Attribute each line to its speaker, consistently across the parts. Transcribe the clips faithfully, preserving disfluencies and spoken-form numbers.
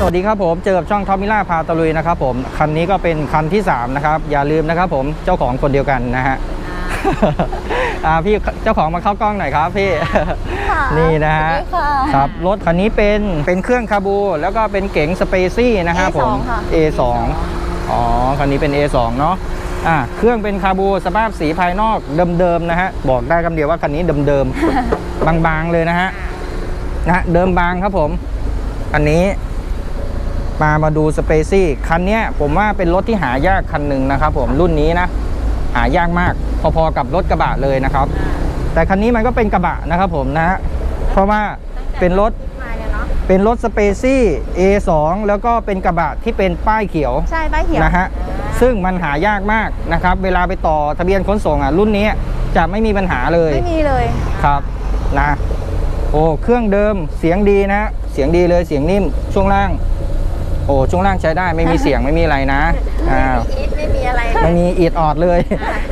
Speaker 1: วัสดีครับผมเจอกับช่องท็อปมิล่าพาตะลุยนะครับผมคันนี้ก็เป็นคันที่สามนะครับอย่าลืมนะครับผมเจ้าของคนเดียวกันนะฮะอ่าพี่เจ้าของมาเข้ากล้องหน่อยครับพี่นี่นะฮะครับรถคันนี้เป็นเป็นเครื่องคาบูแล้วก็เป็นเก๋งสเปซี่นะฮะผม เอ สอง อ๋อคันนี้เป็น เอ สอง เนาะอ่าเครื่องเป็นคาบูสภาพสีภายนอกเดิมๆนะฮะบอกได้คำเดียวว่าคันนี้เดิมๆ บางๆเลยนะฮะนะเดิมบางครับผมอันนี้มามาดูสเปซี่คันนี้ผมว่าเป็นรถที่หายากคันหนึ่งนะครับผมรุ่นนี้นะหายากมากพอๆกับรถกระบะเลยนะครับแต่คันนี้มันก็เป็นกระบะนะครับผมนะฮะเพราะว่าเป็นรถเป็นรถสเปซี่ เอ สอง แล้วก็เป็นกระบะที่เป็นป้ายเขียว
Speaker 2: ใช่ป้ายเขียว
Speaker 1: นะฮะซึ่งมันหายากมากนะครับเวลาไปต่อทะเบียนขนส่งอ่ะรุ่นนี้จะไม่มีปัญหาเลย
Speaker 2: ไม่มีเลย
Speaker 1: ครับนะโอ้เครื่องเดิมเสียงดีนะเสียงดีเลยเสียงนิ่มช่วงล่างโอ้ช่วงล่างใช้ได้ไม่มีเสียงไม่มีอะไรนะ
Speaker 2: อ่าไม่มีอะไร
Speaker 1: ไม่มีอีดออดเลย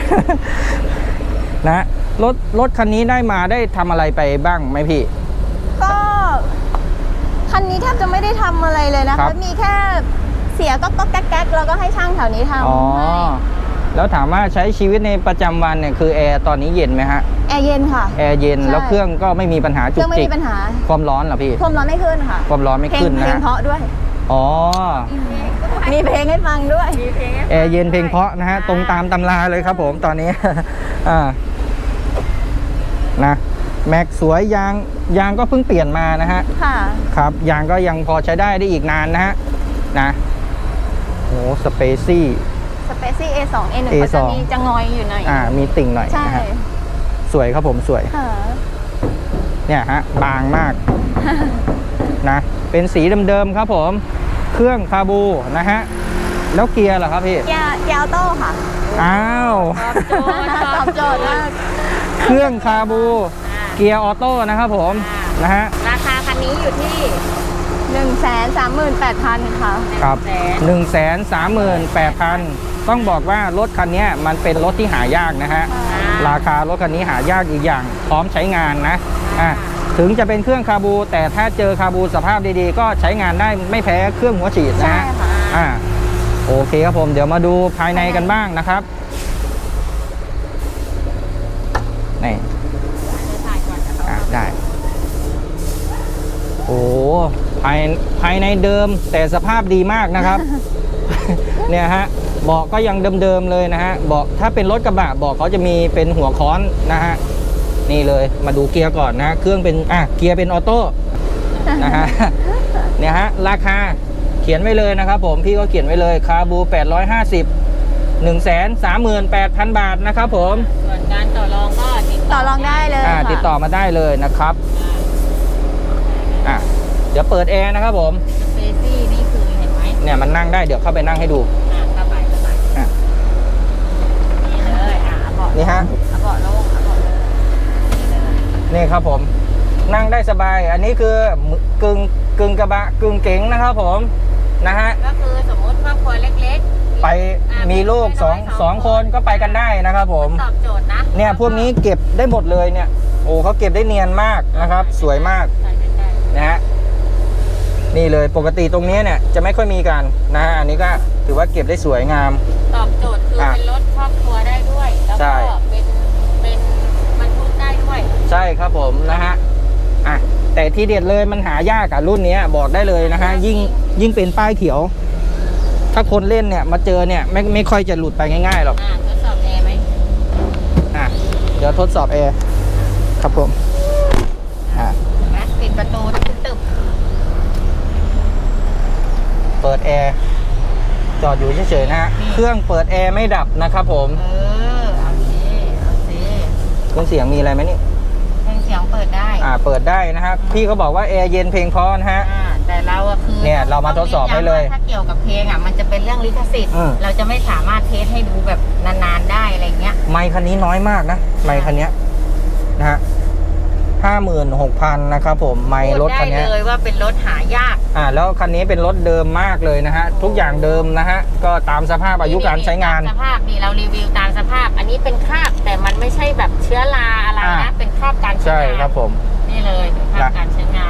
Speaker 1: นะรถรถคันนี้ได้มาได้ทำอะไรไปบ้างไหมพี่
Speaker 2: ก็คันนี้แทบจะไม่ได้ทำอะไรเลยนะคะมีแค่เสียก็ก็แก๊กๆแล้วก็ให้ช่างแถวนี้ทำ
Speaker 1: อ๋อแล้วถามว่าใช้ชีวิตในประจำวันเนี่ยคือแอร์ตอนนี้เย็นไหมฮะ
Speaker 2: แอร์เย็นค่ะ
Speaker 1: แอร์เย็นแล้วเครื่องก็ไม่มีปัญหาจุกจิก
Speaker 2: ไม่มีปัญหา
Speaker 1: ความร้อนเหรอพี่
Speaker 2: ความร้อนไม่ขึ้นค่ะ
Speaker 1: ความร้อนไม่ขึ้นนะ
Speaker 2: เพลงเพราะด้วย
Speaker 1: อ๋อ
Speaker 2: มีเพลงให้ฟังด้วย
Speaker 1: แอร์เย็นเพลงเพราะนะฮะตรงตามตำราเลยครับผมตอนนี้อ่านะแม็กสวยยางยางก็เพิ่งเปลี่ยนมานะฮะ
Speaker 2: ค่ะ
Speaker 1: ครับยางก็ยังพอใช้ได้ได้อีกนานนะฮะนะโอ้สเปซี่
Speaker 2: สเปซี่ เอ สอง เอ หนึ่ง ก็จะมีจะงอยอยู่หน่อย
Speaker 1: อ่ามีติ่งหน่อยนะฮะสวยครับผมสวยเนี่ยฮะบางมากนะเป็นสีเดิมๆครับผมเครื่องคาบูนะฮะแล้วเกียร์เหรอครับพี่
Speaker 2: เกียร์เกียร์ออโต้ค่ะ
Speaker 1: อ้าว
Speaker 2: ตอบโจทย์มาก
Speaker 1: เครื่องคาบูเกียร์ออโต้นะครับผมนะฮะ
Speaker 2: ราคาคันนี้อยู่ที่หนึ่งแสนสามหมื่นแปดพันค่ะ
Speaker 1: ครับหนึ่งแสนสามหมื่นแปดพันต้องบอกว่ารถคันนี้มันเป็นรถที่หายากนะฮะราคารถคันนี้หายากอีกอย่างพร้อมใช้งานนะอ่ะถึงจะเป็นเครื่องคาบูแต่ถ้าเจอคาบูสภาพดีๆก็ใช้งานได้ไม่แพ้เครื่องหัวฉีดนะฮะอ่าโอเคครับผมเดี๋ยวมาดูภายในกันบ้างนะครับนี่อ่ะได้โอ้ภายภายในเดิมแต่สภาพดีมากนะครับ เนี่ยฮะเบาะก็ยังเดิมๆเลยนะฮะเบาะถ้าเป็นรถกระบะเบาะเขาจะมีเป็นหัวค้อนนะฮะนี่เลยมาดูเกียร์ก่อนนะเครื่องเป็นอ่ะเกียร์เป็นออโต้นะฮะเนี่ยฮะราคาเขียนไว้เลยนะครับผมพี่ก็เขียนไว้เลยคาบูแปดร้อยห้าสิบ หนึ่งแสนสามหมื่นแปดพัน บาทนะครับผม
Speaker 2: ส่วนการต่อรองก็ติดต่อรองได้เลย
Speaker 1: อ่าติดต่อมาได้เลยนะครับอ่ะเดี๋ยวเปิดแอร์นะครับผม
Speaker 2: สเปซี่นี่คือเห็นไหม
Speaker 1: เนี่ยมันนั่งได้เดี๋ยวเข้าไปนั่งให้ดู
Speaker 2: อ่าเข้าไปเข้าไปอ่ะนี่เลยอ่ะเบาะ
Speaker 1: นี่ฮะ
Speaker 2: เบาะโล่งเบาะ
Speaker 1: นี่ครับผมนั่งได้สบายอันนี้คือกึ่งกึ่งกระบะกึ่งเก๋งนะครับผมนะฮะ
Speaker 2: ก็คือสมมติครอบครัวเล็ก
Speaker 1: ๆไปมีลูกสองสองคนก็ไปกันได้นะครับผม
Speaker 2: ตอบโจทย์นะ
Speaker 1: เนี่ยพวกนี้เก็บได้หมดเลยเนี่ยโอ้เขาเก็บได้เนียนมากนะครับสวยมากนะฮะนี่เลยปกติตรงนี้เนี่ยจะไม่ค่อยมีกันนะฮะอันนี้ก็ถือว่าเก็บได้สวยงาม
Speaker 2: ตอบโจทย์คือเป็นรถครอบครัวได้ด้วยแล้วก็เป็นเป็นบรรทุกได้ด้วย
Speaker 1: ใช่ครับผมนะฮะอ่ะแต่ที่เด็ดเลยมันหายากกับรุ่นนี้บอกได้เลยนะฮะยิ่งยิ่งเป็นป้ายเขียวถ้าคนเล่นเนี่ยมาเจอเนี่ยไม่ไม่ค่อยจะหลุดไปง่ายๆหรอก
Speaker 2: อ่าทดสอบแอร์ไหม
Speaker 1: อ่ะเดี๋ยวทดสอบแอร์ครับผมอ่ะ
Speaker 2: ปิดประตูตึบ
Speaker 1: เปิดแอร์จอดอยู่เฉยๆนะฮะเครื่องเปิดแอร์ไม่ดับนะครับผม
Speaker 2: เออโอเคโอเค
Speaker 1: เครื่องเสียงมีอะไรไหมนี่
Speaker 2: เครื่องเสียงเปิดได้
Speaker 1: อ่าเปิดได้นะครับพี่เขาบอกว่าแอร์เย็นเพลงเพราะนะฮะ
Speaker 2: อ่าแต่เราอะคือ
Speaker 1: เนี่ยเรามาทดสอบให้เลย
Speaker 2: ถ้าเกี่ยวกับเพลงอ่ะมันจะเป็นเรื่องลิขสิทธิ์เราจะไม่สามารถเทสให้ดูแบบนานๆได้อะไรเงี้ย
Speaker 1: ไมค์คันนี้น้อยมากนะไมค์คันนี้นะฮะห้าหมื่นหกพันนะครับผมไมค์รถคันนี้
Speaker 2: ได้เลยว่าเป็นรถหายาก
Speaker 1: อ่าแล้วคันนี้เป็นรถเดิมมากเลยนะฮะทุกอย่างเดิมนะฮะก็ตามสภาพอายุการใช้งาน
Speaker 2: สภาพนี่เรารีวิวตามสภาพอันนี้เป็นคราบแต่มันไม่ใช่แบบเชื้อราอะไรนะเป็นคราบการใช้งาน
Speaker 1: ใช่ครับผม
Speaker 2: นี่เลยคราบการใช้งาน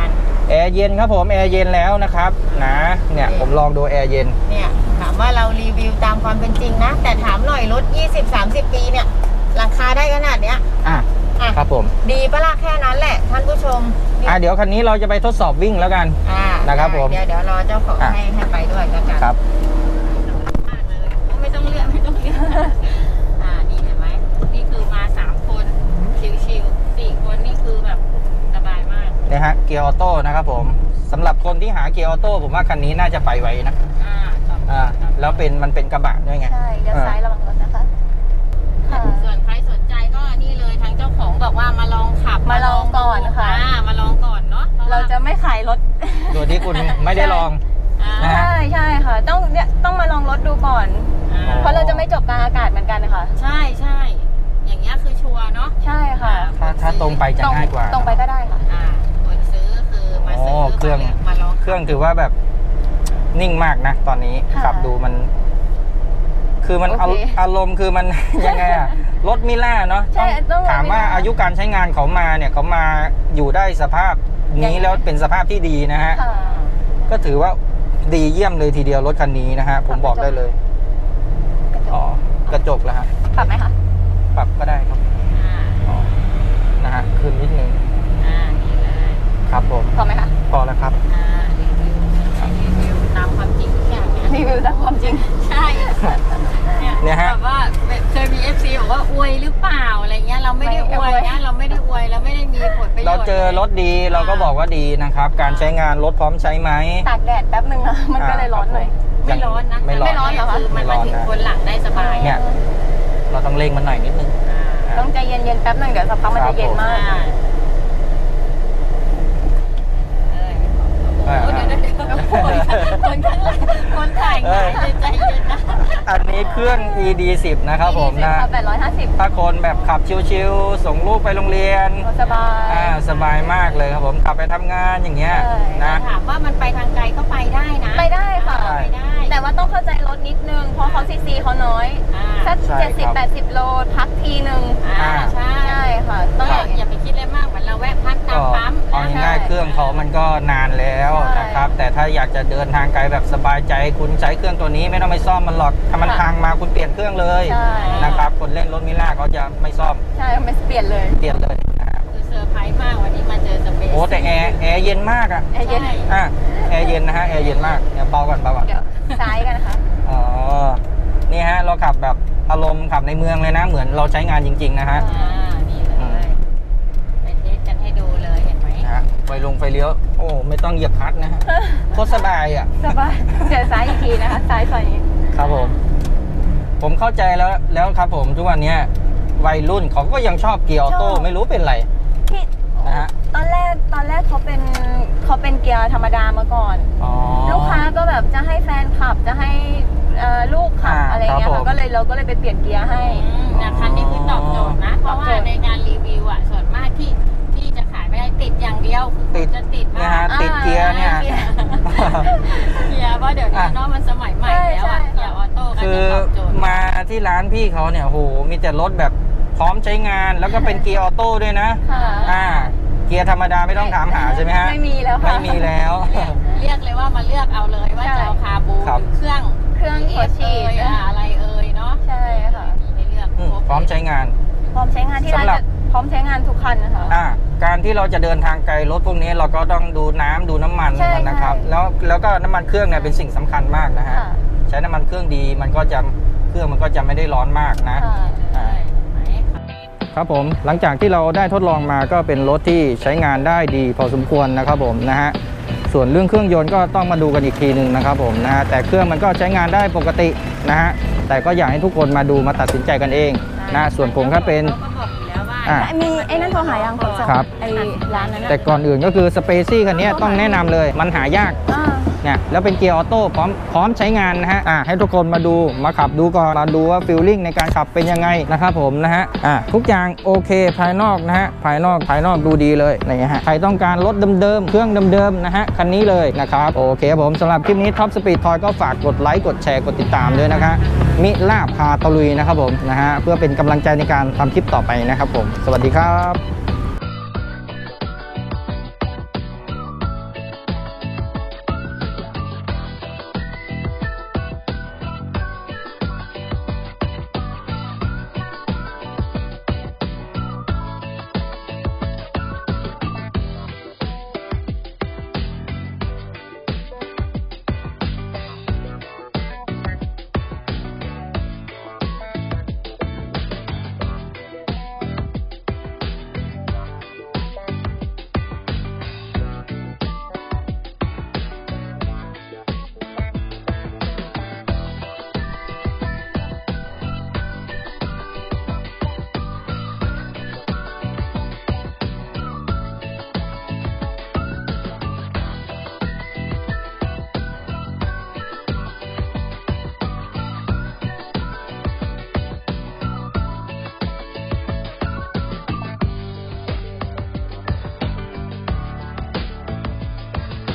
Speaker 1: แอร์เย็นครับผมแอร์เย็นแล้วนะครับนะเนี่ยผมลองดูแอร์เย็น
Speaker 3: เนี่ยถามว่าเรารีวิวตามความเป็นจริงนะ แต่ถามหน่อยรถ ยี่สิบ สามสิบ ปีเนี่ยราคาได้ขนาดเนี้ย
Speaker 1: อ่ะ
Speaker 3: อ่ะ
Speaker 1: ครับผม
Speaker 3: ดีปะล่ะแค่นั้นแหละท่านผู้ชม
Speaker 1: อ่ะเดี๋ยวคันนี้เราจะไปทดสอบวิ่งแล้วกัน
Speaker 3: อ่า
Speaker 1: นะครับผม
Speaker 3: เดี๋ยวเดี๋ยวรอเจ้าของ
Speaker 1: อ่ะ
Speaker 3: ให้ให้ไปด้วยแล้วกัน
Speaker 1: ครับ
Speaker 3: มากเลยไม่ต้องเลือกไม่ต้องเลือกอ่านี่เห็นไหมนี่คือมาสามคนชิวๆสี่คนนี่คือแบบสบายมาก
Speaker 1: เนี่ยฮะเกียร์ออโต้นะครับผมสำหรับคนที่หาเกียร์ออโต้ผมว่าคันนี้น่าจะไปไวนะ
Speaker 3: อ่าต่อไป
Speaker 1: อ่า
Speaker 3: ต่อไป
Speaker 1: แล้วเป็นมันเป็นกระบะด้วยไง
Speaker 2: ใช่เดี๋ยวซ้ายระวังรถนะคะค่ะ
Speaker 3: ส่วนใครสนใจก็นี่เลยทางเจ้าของบอกว่ามาลองขับ
Speaker 2: มาลองก่อนค่ะ
Speaker 3: อ่ามาลองก่อนเนาะพว่
Speaker 2: เราจะไม่ขายรถ
Speaker 1: โดยที่คุณไม่ได้ลอง
Speaker 3: อ่า
Speaker 1: นะฮะ
Speaker 2: ใช่ใช่ค่ะ ต้องเนี่ยต้องมาลองรถดูก่อน
Speaker 3: อ่า
Speaker 2: เพราะเราจะไม่จบกลางอากาศเหมือนกันนะคะ
Speaker 3: ใช่ใช่อย่างเงี้ยคือชัวร์เนาะ
Speaker 2: ใช่ค่ะ
Speaker 1: ถ้าถ้าตรงไปจะ
Speaker 2: ตรง
Speaker 1: ง่ายกว่า
Speaker 2: ตรงไปก็ได้ค่ะ
Speaker 3: อ่าคนซื้อคือมาซื้อ
Speaker 1: โอ้เครื่อง
Speaker 3: มาลอง
Speaker 1: เครื่องถือว่าแบบนิ่งมากนะ ตอนนี้
Speaker 2: ค่ะ
Speaker 1: ขับดูมัน คือมัน
Speaker 2: โอเค
Speaker 1: อาอารมณ์คือมัน ยังไงอะรถมิล่าเนาะ
Speaker 2: ใช่ต้องรถ
Speaker 1: ถามว่า
Speaker 2: มิล่า
Speaker 1: อายุการใช้งานเขามาเนี่ยเขามาอยู่ได้สภาพ
Speaker 2: ยัง
Speaker 1: นี้
Speaker 2: ไง
Speaker 1: แล้วเป็นสภาพที่ดีนะฮะ
Speaker 2: ค่ะ
Speaker 1: ก็ถือว่าดีเยี่ยมเลยทีเดียวรถคันนี้นะฮะ ผมบอกได้เลย
Speaker 2: กระจ
Speaker 1: อ๋อก กระจกแล้วฮะ
Speaker 2: ปรับไหมคะ
Speaker 1: ปรับก็ได้ครับ
Speaker 3: อ่า
Speaker 1: อ๋อนะฮะขึ้นนิดนึง
Speaker 3: อ่านี่เลย
Speaker 1: ครับผม
Speaker 2: พอไหมคะ
Speaker 1: พอแล้วครับ
Speaker 3: อ่ารีวิวรีวิวตามความจริงทุกอย่างเนี่ย
Speaker 2: รีวิวตามความจริง
Speaker 3: ใช่
Speaker 1: เนี่ยฮะ
Speaker 3: แบบว่าเคยมี เอฟ ซี บอกว่าอวยหรือเปล่าอะไรเงี้ยเราไม่ได้อวยนะเราไม่ได้อวยเราไม่ได้มีผลประโยชน์
Speaker 1: เราเจอรถดีเราก็บอกว่าดีนะครับ การใช้งานรถพร้อมใช้ไหม
Speaker 2: ตากแดดแป๊บนึงนะมันก็เลยร้อนหน่อย
Speaker 3: ไม่ร้อนนะ
Speaker 1: ไม่ร้อน
Speaker 2: ไม่ร้อนเหรอคะ
Speaker 3: คือมันมาถึงคนหลังได้สบาย
Speaker 1: เนี่ย เราต้องเร่งมันหน่อยนิดนึง
Speaker 3: อ่า
Speaker 2: ต้องใจเย็นๆแป๊บนึงเดี๋ยวสักพักมัน
Speaker 1: ครั
Speaker 2: จะ
Speaker 1: บ
Speaker 2: เย็นมาก
Speaker 3: อ่าเอ้ยโอ้เดี๋ยวเดี๋ยวเดี๋ยวคนคนข้างหลังคนถ่ายหงายเลยใจเย็นนะ
Speaker 1: อันนี้เครื่อง อี ดี สิบ นะครับผมนะ
Speaker 2: แปดร้อยห้าสิบ
Speaker 1: ถ้าคนแบบขับชิวๆส่งลูกไปโรงเรียน
Speaker 2: สบาย
Speaker 1: อ่าสบายมากเลยครับผมขับไปทำงานอย่างเงี้ย
Speaker 2: ใช่
Speaker 1: นะ
Speaker 3: ถามว่ามันไปทางไกลก็ไปได้นะ
Speaker 2: ไปได้ค่ะ
Speaker 3: ไปได้
Speaker 2: แต่ว่าต้องเข้าใจรถนิดนึง เพราะเขาซีซีเขาน้อย
Speaker 3: อ่า
Speaker 2: สัก
Speaker 1: ใช่
Speaker 2: เจ็ดสิบ
Speaker 1: ครับ
Speaker 2: แปดสิบโลพักทีหนึ่ง
Speaker 3: อ่าใช่
Speaker 2: ใช่ค่ะ
Speaker 3: ต้
Speaker 2: ต้
Speaker 3: อ
Speaker 2: อง ง
Speaker 3: อย่าอย่าไปคิดอะไรมากเหมือนเราแวะพักตา
Speaker 1: ก็
Speaker 3: มปั๊ม
Speaker 1: เอา
Speaker 3: นะ
Speaker 1: ง่ายๆเครื่องเขามันก็นานแล้ว
Speaker 2: ใช่
Speaker 1: นะครับ แต่ถ้าอยากจะเดินทางไกลแบบสบายใจคุณใช้เครื่องตัวนี้ไม่ต้องไปซ่อมมันหรอกถ้ามันพังมาคุณเปลี่ยนเครื่องเลย
Speaker 2: ใช่
Speaker 1: นะครับคนเล่นรถมิล่าเขาจะไม่ซ่อม
Speaker 2: ใช่ไม่เปลี่ยนเลย
Speaker 1: เปลี่ยนเลยนะครับ
Speaker 3: คือเซอร์ไพรส์มากวันนี้มาเจอสเปซ
Speaker 1: โอ้แต่แอร์แอร์เย็นมากอ่ะ
Speaker 2: แอร์เย็น
Speaker 3: ใช่
Speaker 1: อ่ะแอร์เย็นนะฮะแอร์เย็นมากเดี๋ยวเบาก่อนเบาก่อน
Speaker 2: เดี๋ยวซ้ายกันนะคะ
Speaker 1: อ๋อนี่ฮะเราขับแบบอารมณ์ขับในเมืองเลยนะ เหมือนเราใช้งานจริงๆนะฮะ
Speaker 3: อ่านี่เลยไปเทสกันให้ดูเลยเห็นไหม
Speaker 1: นะฮะไฟลงไฟเลี้ยวโอ้ไม่ต้องเหยียบคลัตช์นะฮะโคตรสบายอ่ะ
Speaker 2: สบายเดี๋ยวซ้ายอีกทีนะคะ ซ้ายซอยนี้
Speaker 1: ครับผม ผมเข้าใจแล้วแล้วครับผมทุกวันเนี้ยวัยรุ่นเขาก็ยังชอบเกียร์ออโต้
Speaker 2: ชอบ
Speaker 1: ไม่รู้เป็นไร
Speaker 2: ที่
Speaker 1: นะฮะ
Speaker 2: ตอนแรกตอนแรกเขาเป็นเขาเป็นเกียร์ธรรมดามาก่อน
Speaker 1: อ๋อ
Speaker 2: ลูกค้าก็แบบจะให้แฟนขับจะให้เอ่อลูกขับ
Speaker 1: อ่า
Speaker 2: อะไรเงี้ย
Speaker 1: ครับผม
Speaker 2: ค่ะก็เลยเราก็เลยไปเปลี่ยนเกียร์ให้
Speaker 3: อืมนะคันนี้คือตอบโจทย์นะ เพราะว่า
Speaker 2: ตอบโจทย์
Speaker 3: ในงานรีวิวอ่ะส่วนมากที่ที่จะขายไม่ได้ติดอย่างเดียวคือ
Speaker 1: ติด
Speaker 3: จะติด
Speaker 1: เนี่ย
Speaker 3: ว่า
Speaker 1: ฮะติดเกียร์เนี่ย
Speaker 3: เกียร์เกียร์เพราะเดี๋ยวนี้เนาะมันสมัยใหม่แล้วอ่ะเกียร์ออโต้ก็
Speaker 1: คือ
Speaker 3: จะตอบโจทย์
Speaker 1: มาที่ร้านพี่เขาเนี่ยโหมีแต่รถแบบพร้อมใช้งานแล้วก็เป็นเกียร์ออโต้ด้วยนะ
Speaker 2: ค่ะ
Speaker 1: อ่า เกียร์ธรรมดาไม่ต้องถามหาใช่ไหมฮะ
Speaker 2: ไม่มีแล้วค่ะ
Speaker 1: ไม่มีแล้ว
Speaker 3: เรียกเลยว่ามาเลือกเอาเลยว่า
Speaker 2: ใช่
Speaker 3: จะเอาคาบู
Speaker 1: ครับ
Speaker 3: หรือเครื่อง
Speaker 2: เครื่องหัวฉีด
Speaker 3: เอ่ยอะไรเอ่ยเนาะ
Speaker 2: ใช่ค่ะ
Speaker 3: มีให้เลือก
Speaker 1: อืม
Speaker 3: คบ
Speaker 1: พร้อมใช้งาน
Speaker 2: พร้อมใช้งานที่ร้าน
Speaker 1: สำหรับ
Speaker 2: จะพร้อมใช้งานทุกคันนะคะ
Speaker 1: อ่าการที่เราจะเดินทางไกลรถพวกนี้เราก็ต้องดูน้ำดูน้ำมัน
Speaker 2: ใช่
Speaker 1: มันนะครับ
Speaker 2: ใช่
Speaker 1: แล้วแล้วก็น้ำมันเครื่องเนี่ยเป็นสิ่งสำคัญมากนะฮะ
Speaker 2: ค่ะ
Speaker 1: ใช้น้ำมันเครื่องดีมันก็จะเครื่องมันก็จะไม่ได้ร้อนมากนะ
Speaker 2: ค่ะ
Speaker 3: ใช่ไหม
Speaker 1: ครับผมหลังจากที่เราได้ทดลองมาก็เป็นรถที่ใช้งานได้ดีพอสมควรนะครับผมนะฮะส่วนเรื่องเครื่องยนต์ก็ต้องมาดูกันอีกทีหนึ่งนะครับผมนะฮะแต่เครื่องมันก็ใช้งานได้ปกตินะฮะแต่ก็อยากให้ทุกคนมาดูมาตัดสินใจกันเองนะส่วนผมก็เป็น
Speaker 3: ขาก็บอกอยู่แล้วว่า
Speaker 1: อ่ะ
Speaker 2: มีไอ้นั่นโทรหายังขนส่ง
Speaker 1: ครับ
Speaker 2: ไอ้ร้านนั้นน่ะ
Speaker 1: แต่ก่อนอื่นก็คือสเปซี่คันนี้ต้องแนะนำเลยมันหายาก
Speaker 2: อ่า
Speaker 1: เนี่ยแล้วเป็นเกียร์ออโต้พร้อมพร้อมใช้งานนะฮะอ่ะให้ทุกคนมาดูมาขับดูก่อนมาดูว่าฟีลลิ่งในการขับเป็นยังไงนะครับผมนะฮะอ่ะทุกอย่างโอเคภายนอกนะฮะภายนอกภายนอกดูดีเลยนะฮะใครต้องการรถเดิมๆเครื่องเดิมๆนะฮะคันนี้เลยนะครับโอเคครับผมสำหรับคลิปนี้ท็อปสปีดทอยก็ฝากกดไลค์กดแชร์กดติดตามด้วยนะคะมิล่าพาตะลุยนะครับผมนะฮะเพื่อเป็นกำลังใจในการทำคลิปต่อไปนะครับผมสวัสดีครับ